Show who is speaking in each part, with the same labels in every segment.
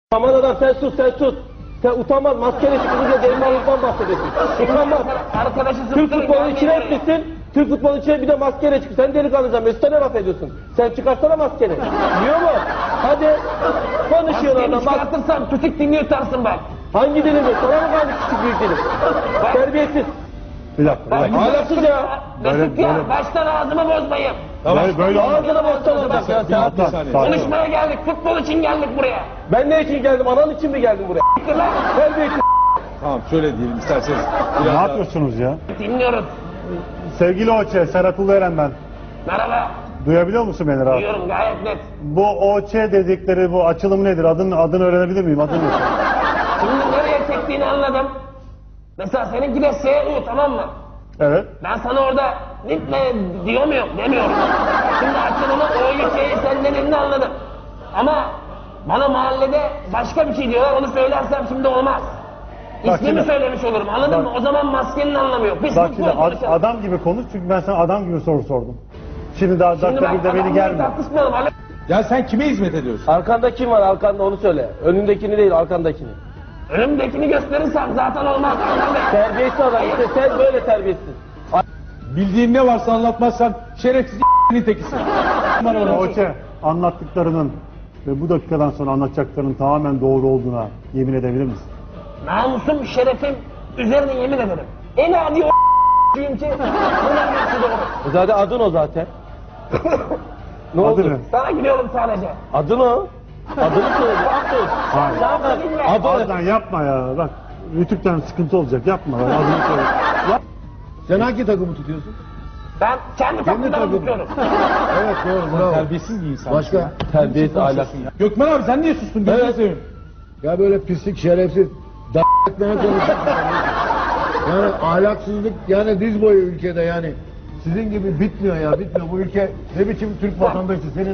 Speaker 1: Aman adam sen sus sen sus. Sen utanmaz maskeli çıkınca delikanlıktan bahsediyorsun. Utanmaz. Türk futbolunun içine etmişsin. Türk futbolunun içine bir de maskeyle çık. Sen delikanlıcan Mesut'a ne laf ediyorsun? Sen çıkarsana maskeni. Biliyor mu? Hadi. Konuşuyorlar orada.
Speaker 2: Maskeni çıkartırsam küçük dilini yutarsın bak.
Speaker 1: Hangi dilimi? Sana mı kaldı küçük büyük dilim? Terbiyesiz.
Speaker 3: Bir dakika.
Speaker 1: Ahlaksız ya.
Speaker 2: Mesut ya baştan ağzımı bozmayın.
Speaker 3: Böyle
Speaker 1: Ağzına bozsan olacak ya.
Speaker 2: Konuşmaya geldik. Futbol için geldik buraya.
Speaker 1: Ben ne için geldim? Anan için mi geldim buraya? Terbiyesiz.
Speaker 4: Tamam şöyle diyelim isterseniz.
Speaker 3: Ne yapıyorsunuz ya?
Speaker 2: Dinliyoruz.
Speaker 3: Sevgili Oçe, Serhat Ulueren ben.
Speaker 2: Merhaba.
Speaker 3: Duyabiliyor musun beni rahat?
Speaker 2: Duyuyorum gayet net.
Speaker 3: Bu Oçe dedikleri bu açılım nedir? Adını öğrenebilir miyim? Adını ne?
Speaker 2: Şimdi nereye çektiğini anladım. Mesela seninki de SU tamam mı?
Speaker 3: Evet.
Speaker 2: Ben sana orada gitme diyor muyum? Demiyorum. Şimdi açılımı o ülkeyi sen dediğini anladım. Ama bana mahallede başka bir şey diyorlar onu söylersem şimdi olmaz.
Speaker 3: Bak
Speaker 2: İsmimi
Speaker 3: şimdi.
Speaker 2: söylemiş olurum anladın mı? O zaman maskenin anlamı yok. Biz
Speaker 3: Bak
Speaker 2: futbol
Speaker 3: şimdi
Speaker 2: konuşalım.
Speaker 3: adam gibi konuş çünkü ben sana adam gibi soru sordum. Şimdi daha
Speaker 2: Şimdi
Speaker 3: dakika bir de beni
Speaker 2: adamla
Speaker 3: gelme.
Speaker 2: tartışmayalım.
Speaker 4: Ya sen kime hizmet ediyorsun?
Speaker 1: Arkanda kim var arkanda onu söyle. Önündekini değil arkandakini.
Speaker 2: Önümdekini gösterirsem zaten olmaz.
Speaker 1: Terbiyesiz adam işte sen böyle terbiyesiz.
Speaker 4: Bildiğin ne varsa anlatmazsan şerefsiz nitekisin.
Speaker 3: Oçe anlattıklarının ve bu dakikadan sonra anlatacaklarının tamamen doğru olduğuna yemin edebilir misin?
Speaker 2: Namusum, şerefim üzerine yemin ederim. En adi o çünkü bunların hepsi doğru.
Speaker 1: Zaten adın o zaten. Ne
Speaker 3: Adı
Speaker 1: oldu?
Speaker 3: ne?
Speaker 2: Sana gülüyorum sadece.
Speaker 1: Adın o. Adını söyle. Adın.
Speaker 3: Hayır.
Speaker 2: Daha bilme.
Speaker 3: Adnan yapma ya. Bak Rütük'ten sıkıntı olacak. Yapma. Adını söyle. Yap.
Speaker 4: Sen hangi takımı tutuyorsun?
Speaker 2: Ben kendi takımdan tutuyorum.
Speaker 4: Evet doğru bravo. Terbiyesiz bir insan.
Speaker 5: Başka?
Speaker 1: Terbiyesiz ahlaksız.
Speaker 4: Gökmen abi sen niye sustun? Gözünü seveyim.
Speaker 5: Ya böyle pislik, şerefsiz, d***meye konuşuyorsun. Yani ahlaksızlık yani diz boyu ülkede yani. Sizin gibi bitmiyor ya bitmiyor. Bu ülke ne biçim Türk vatandaşı senin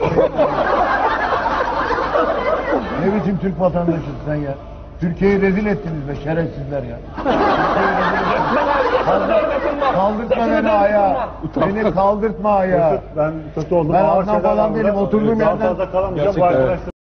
Speaker 5: ne biçim Türk vatandaşısın sen ya. Türkiye'yi rezil ettiniz be şerefsizler ya.
Speaker 2: Ben abi yakın hürmetim var.
Speaker 5: Kaldırtma
Speaker 2: Yakın
Speaker 5: beni
Speaker 2: hürmetim
Speaker 5: ayağa.
Speaker 2: var.
Speaker 5: Beni kaldırtma ayağa.
Speaker 3: Ben kötü oldum.
Speaker 5: Ben
Speaker 3: Ağır
Speaker 5: Adnan
Speaker 3: şeyler
Speaker 5: falan
Speaker 3: var
Speaker 5: değilim,
Speaker 3: burada.
Speaker 5: oturduğum
Speaker 3: Daha
Speaker 5: yerden-
Speaker 3: fazla kalamayacağım. Bu
Speaker 4: Gerçekten,
Speaker 3: arkadaşlar